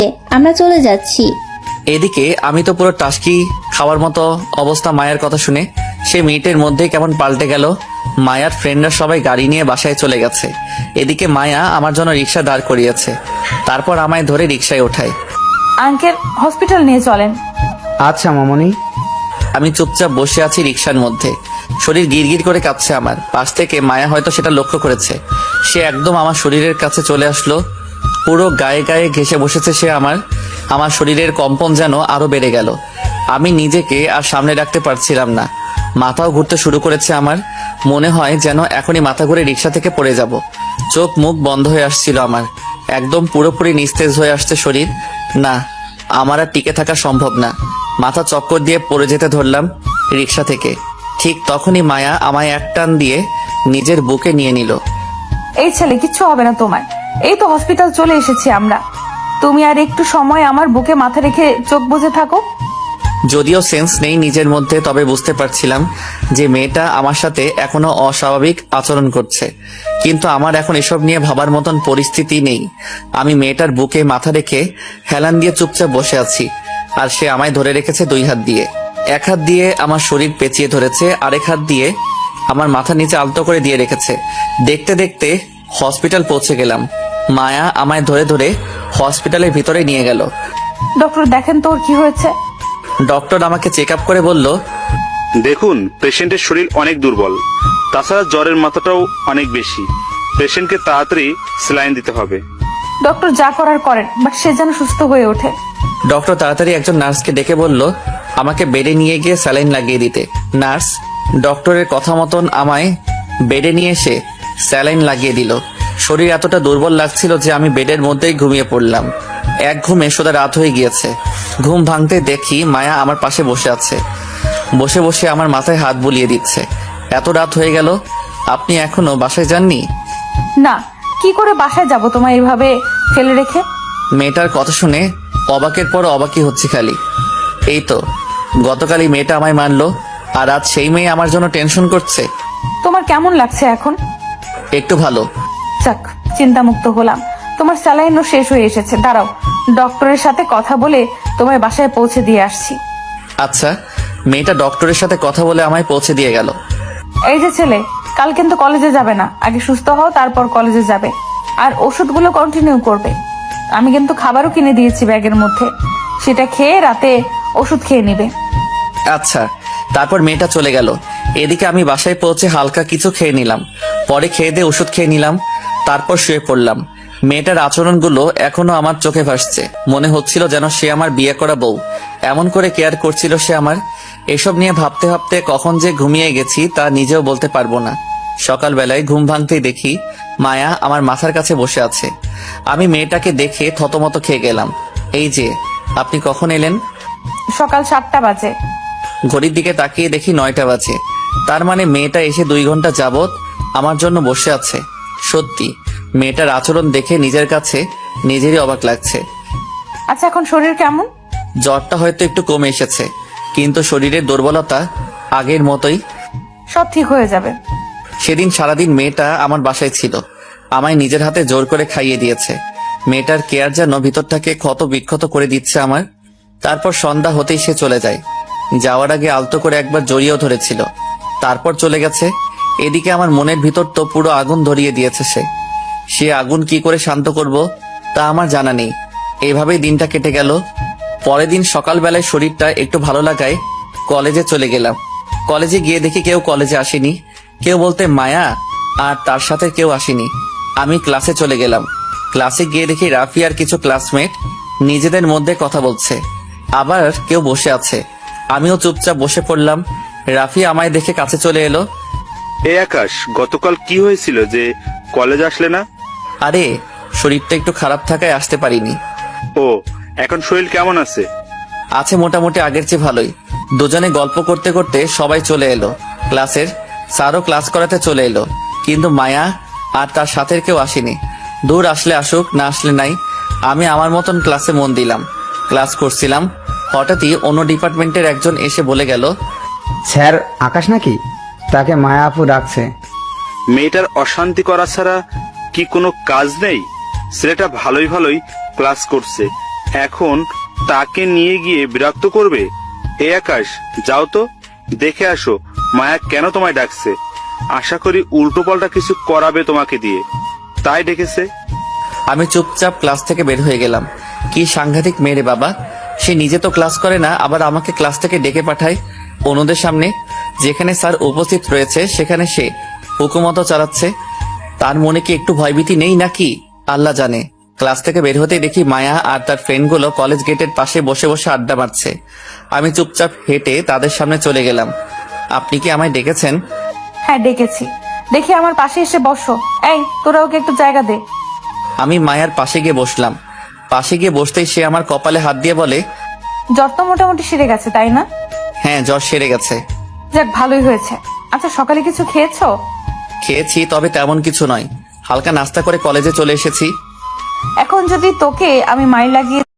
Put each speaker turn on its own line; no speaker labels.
আমরা চলে যাচ্ছি।
এদিকে আমি তো পুরো টাস্কি খাওয়ার মতো অবস্থা। মায়ের কথা শুনে সে মিনিটের মধ্যেই কেমন পাল্টে গেল। মায়ার ফ্রেন্ডরা সবাই গাড়ি নিয়ে বাসায় চলে গেছে। এদিকে মায়া আমার জন্য রিক্সা দাঁড় করিয়েছে, তারপর আমায় ধরে রিক্সায় ওঠায়।
আঙ্কেল হসপিটাল নিয়ে চলেন।
আচ্ছা মামনি।
আমি চুপচাপ বসে আছি রিক্সার মধ্যে, শরীর গিরগির করে কাঁপছে আমার। পাশ থেকে মায়া হয়তো সেটা লক্ষ্য করেছে। সে একদম আমার শরীরের কাছে চলে আসলো, পুরো গায়ে গায়ে ঘেঁষে বসেছে সে। আমার শরীরের কম্পন যেন আরো বেড়ে গেল। আমি নিজেকে আর সামনে রাখতে পারছিলাম না, মাথাও ঘুরতে শুরু করেছে আমার। মনে হয় যেন এখনই মাথা ঘুরে রিক্সা থেকে পড়ে যাব। চোখ মুখ বন্ধ হয়ে আসছিল আমার, একদম পুরোপুরি নিস্তেজ হয়ে আসছে শরীর। না, আমার আর টিকে থাকা সম্ভব না। মাথা চক্কর দিয়ে পড়ে যেতে ধরলাম রিক্সা থেকে। ঠিক তখনই মায়া আমায় এক টান দিয়ে নিজের বুকে নিয়ে নিল।
এই ছেলে কিচ্ছু হবে না তোমার, এই তো হসপিটাল চলে এসেছি আমরা। তুমি আর একটু সময় আমার বুকে মাথা রেখে চোখ বুজে থাকো।
যদিও সেন্স নেই নিজের মধ্যে, তবে বুঝতে পারছিলাম যে মেয়েটা আমার সাথে এখনো অস্বাভাবিক আচরণ করছে। কিন্তু আমার এখন এসব নিয়ে ভাবার মতন পরিস্থিতি নেই। আমি মেয়েটার বুকে মাথা রেখে হেলান দিয়ে চুপচাপ বসে আছি, আর সে আমায় ধরে রেখেছে দুই হাত দিয়ে। এক হাত দিয়ে আমার শরীর পেঁচিয়ে ধরেছে, আরেক হাত দিয়ে আমার মাথা নিচে আলতো করে দিয়ে রেখেছে। দেখতে দেখতে হসপিটাল পৌঁছে গেলাম। মায়া আমায় ধরে ধরে হসপিটালের ভিতরে নিয়ে গেল।
ডক্টর দেখেন তো ওর কি হয়েছে।
ডক্টর আমাকে চেক আপ করে বলল,
দেখুন, পেশেন্টের শরীর অনেক দুর্বল, তাছাড়া জ্বরের মাত্রাটাও অনেক বেশি। পেশেন্টকে তাড়াতাড়ি স্যালাইন দিতে হবে।
ডক্টর যা করার করেন, বাট সে যেন সুস্থ হয়ে ওঠে।
ডক্টর তাড়াতাড়ি একজন নার্সকে ডেকে বলল আমাকে বেডে নিয়ে গিয়ে স্যালাইন লাগিয়ে দিতে। নার্স ডক্টরের কথা মতন আমায় বেডে নিয়ে এসে স্যালাইন লাগিয়ে দিল। শরীর এতটা দুর্বল লাগছিল যে আমি বেডের মধ্যেই ঘুমিয়ে পড়লাম। এক ঘুমে সোজা রাত হয়ে গিয়েছে। ঘুম ভাঙতে দেখি মায়া আমার পাশে বসে আছে, বসে বসে আমার মাথায় হাত বুলিয়ে দিচ্ছে। এত রাত হয়ে গেল, আপনি এখনো বাসায় যাননি?
না, কি করে বাসায় যাব তোমায় এভাবে ফেলে রেখে।
মেয়েটার কথা শুনে অবাকের পর অবাকই হচ্ছে খালি। এই তো গতকালই মেয়েটা আমায় মারলো, আর আজ সেই মেয়ে আমার জন্য টেনশন করছে।
তোমার কেমন লাগছে এখন?
একটু ভালো।
যাক, চিন্তামুক্ত হলাম। তোমার স্যালাইনও শেষ হয়ে এসেছে। দাঁড়াও, ডক্টরের সাথে কথা বলে তোমায় বাসায় পৌঁছে দিয়ে আসছি।
আচ্ছা, মেয়েটা ডক্টরের সাথে কথা বলে আমায় পৌঁছে দিয়ে গেল।
এই যে ছেলে, কাল কিন্তু কলেজে যাবে না, আগে সুস্থ হও তারপর কলেজে যাবে। আর ওষুধগুলো কন্টিনিউ করবে। আমি কিন্তু খাবারও কিনে দিয়েছি ব্যাগের মধ্যে, সেটা খেয়ে রাতে ওষুধ খেয়ে নিবে।
আচ্ছা। তারপর মেয়েটা চলে গেল। এদিকে আমি বাসায় পৌঁছে হালকা কিছু খেয়ে নিলাম, পরে খেয়ে দিয়ে ওষুধ খেয়ে নিলাম, তারপর শুয়ে পড়লাম। মেয়েটার আচরণগুলো এখনো আমার চোখে ভাসছে। মনে হচ্ছিল যেন সে আমার বিয়ে করা বউ, এমন করে কেয়ার করছিল সে আমার। এসব নিয়ে ভাবতে ভাবতে কখন যে ঘুমিয়ে গেছি তা নিজেও বলতে পারবো না। সকালবেলায় ঘুম ভাঙতেই দেখি মায়া আমার মাথার কাছে বসে আছে। আমি মেয়েটাকে দেখে থতমত খেয়ে গেলাম। এই যে, আপনি কখন এলেন?
সকাল 7টা বাজে।
ঘড়ির দিকে তাকিয়ে দেখি 9টা বাজে। তার মানে মেয়েটা এসে 2 ঘন্টা যাবত আমার জন্য বসে আছে। সত্যি মেয়েটার আচরণ দেখে নিজের কাছে নিজেরই অবাক লাগছে।
আচ্ছা, এখন শরীর কেমন?
জ্বরটা হয়তো একটু কমে এসেছে, কিন্তু শরীরের দুর্বলতা আগের মতোই।
সব ঠিক হয়ে যাবে।
সেদিন সারাদিন মেয়েটা আমার বাসায় ছিল, আমায় নিজের হাতে জোর করে খাইয়ে দিয়েছে। মেয়েটার কেয়ার যেন ভিতরটাকে ক্ষত বিক্ষত করে দিচ্ছে আমার। তারপর সন্ধ্যা হতেই সে চলে যায়। যাওয়ার আগে আলতো করে একবার জড়িয়েও ধরেছিল, তারপর চলে গেছে। এদিকে আমার মনের ভিতর তো পুরো আগুন ধরিয়ে দিয়েছে সে আগুন কি করে শান্ত করব তা আমার জানা নেই। এভাবেই দিনটা কেটে গেল। পরের দিন সকালবেলায় শরীরটা একটু ভালো লাগায় কলেজে চলে গেলাম। কলেজে গিয়ে দেখি কেউ কলেজে আসেনি, কেউ বলতে মায়া আর তার সাথে কেউ আসেনি। আমি ক্লাসে চলে গেলাম। ক্লাসে গিয়ে দেখি রাফি আর কিছু ক্লাসমেট নিজেদের মধ্যে কথা বলছে, আবার কেউ বসে আছে। আমিও চুপচাপ বসে পড়লাম। রাফি আমায় দেখে কাছে চলে এলো।
এই আকাশ, গতকাল কি হয়েছিল যে কলেজ আসলে না?
আরে, শরীরটা একটু খারাপ থাকায় আসতে পারিনি।
ও, এখন শরীর কেমন আছে?
আছে মোটামুটি আগের চেয়ে ভালোই। দুজনে গল্প করতে করতে সবাই চলে এলো। ক্লাসের স্যারও ক্লাস করাতে চলে এলো, কিন্তু মায়া আর তার সাথের কেউ আসেনি। দূর, আসলে আসুক, না আসলে নাই। আমি আমার মতন ক্লাসে মন দিলাম। ক্লাস করছিলাম, হঠাৎই অন্য ডিপার্টমেন্টের একজন এসে বলে গেল,
স্যার আকাশ নাকি? তাকে মায়া আপু ডাকছে।
মেয়েটার অশান্তি করা ছাড়া কি কোনো কাজ নেই? ছেলেটা ভালোই ভালোই ক্লাস করছে, এখন তাকে নিয়ে গিয়ে বিরক্ত করবে? এই আকাশ, যাও তো, দেখে আসো মায়া কেন তোমায় ডাকছে। আশা করি উল্টোপাল্টা কিছু করাবে তোমাকে দিয়ে, তাই ডেকেছে।
আমি চুপচাপ ক্লাস থেকে বের হয়ে গেলাম। কি সাংঘাতিক মেয়ে বাবা, সে নিজে তো ক্লাস করে না, আবার আমাকে ক্লাস থেকে ডেকে পাঠায় অন্যদের সামনে। যেখানে স্যার উপস্থিত রয়েছে সেখানে সে হুকুমতো চালাচ্ছে। তার মনে কি একটু ভয়ভীতি নেই নাকি আল্লাহ জানে। ক্লাস থেকে বের হতেই দেখি মায়া আর তার ফ্রেন্ডগুলো কলেজ গেটের পাশে বসে বসে আড্ডা মারছে। আমি চুপচাপ হেঁটে তাদের সামনে চলে গেলাম। আপনি কি আমায় ডেকেছেন?
হ্যাঁ ডেকেছি, দেখি আমার পাশে এসে বসো। এই তোরা ওকে একটু জায়গা দে।
আমি মায়ার পাশে গিয়ে বসলাম। পাশে গিয়ে বসতেই সে আমার কপালে হাত দিয়ে বলে,
জ্বর তো মোটামুটি সেরে গেছে তাই না?
হ্যাঁ, জ্বর সেরে গেছে।
যাক ভালোই হয়েছে। আচ্ছা সকালে কিছু খেয়েছো?
খেয়েছি, তবে তেমন কিছু নয়। হালকা নাস্তা করে কলেজে চলে এসেছি।
এখন যদি তোকে আমি মাইর লাগিয়ে